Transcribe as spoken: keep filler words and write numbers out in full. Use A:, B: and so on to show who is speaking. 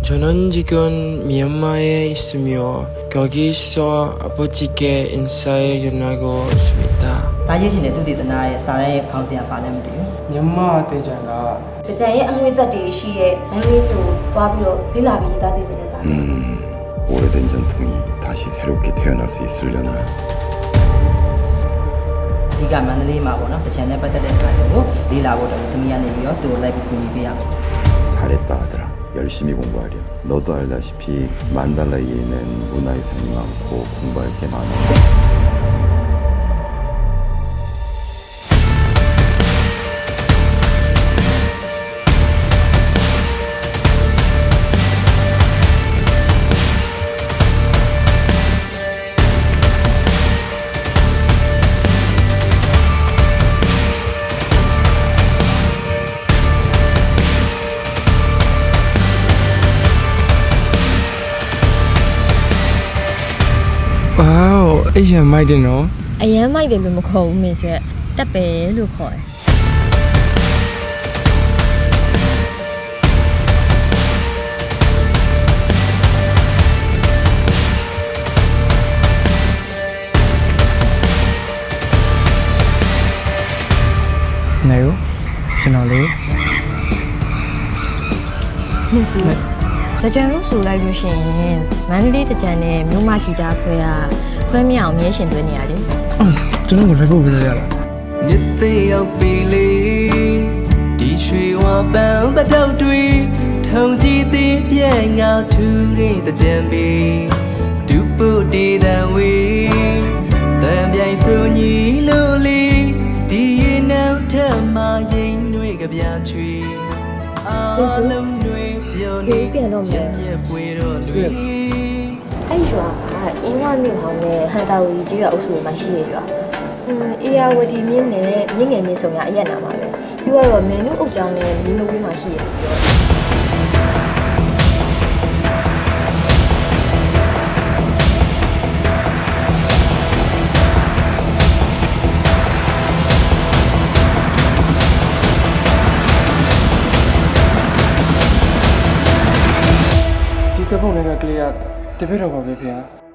A: 저는 지금 미얀마에 있으며 거기서 아버지께 인사에 연하고 있습니다.
B: 다예신의 두디드나의 사례의 강세한 반응이돼요.
A: 미얀마 대장가
C: 대장의 안외다디 시에 안외도 와비로 빌라비다 되지는다.
D: 음, 오래된 전통이 다시 새롭게 태어날 수 있으려나.
B: 네가 만들이 마고나 대장의 빠따를 가지고 리라고도 미얀마에 또 라이브 군입이야.
D: 잘했다 아들아. 열심히 공부하렴. 너도 알다시피 만달라이에는 문화유산이 많고 공부할 게 많아.
A: 와우, 이제 많이 되노?
E: အရန်မိုက်တယ်လို့မခေါ်ဘူးမင်းဆိုရက်တက်ပဲလို့ခေါ်တယ်
A: နေရောကျွန်တော်လေး
E: လို့ဆိုတကြံလို့ဆိုလိုက်လို့ရှိရင်မန္တလေးတကြံနဲ့မြို့မဂီတာခွဲကခွဲမြောင်မြဲရှင်သွင်းနေရလေ
A: ကျွန်တော်ကိုလိုက်ဖို့ပြရလား
F: မြစ်သိရောက်ပြီလေဒီရွှေဝါပန်းပတောက်တွေထုံကြည့်သေးပြဲငါထူတဲ့တကြံပီဒူပုတေတံဝေတံပြိုင်ဆိုညီလို့လေဒီရင်နောက်ထမရင်တွေကပြချွေအားလုံးတွေပြောနေပြန်မြက်ပွေတော့တွေ
E: အဲ့ရွာကအင်းဝမြို့ဟောင်းနဲ့ဟန်တာဝီကြီးရွာအုပ်စုမှာရှိရရွာอืมအေယာဝတီမြင်းနဲ့မြင်းငယ်မြင်းဆောင်ရအရက်နာမှာပဲပြီးတော့မင်းတို့အုပ်ကြောင်းနဲ့မြင်းတို့ဝေးမှာရှိရပြော
A: ဒီတပုတ်လေးကကလေးကတပည့်တော်ပါပဲဖေဟာ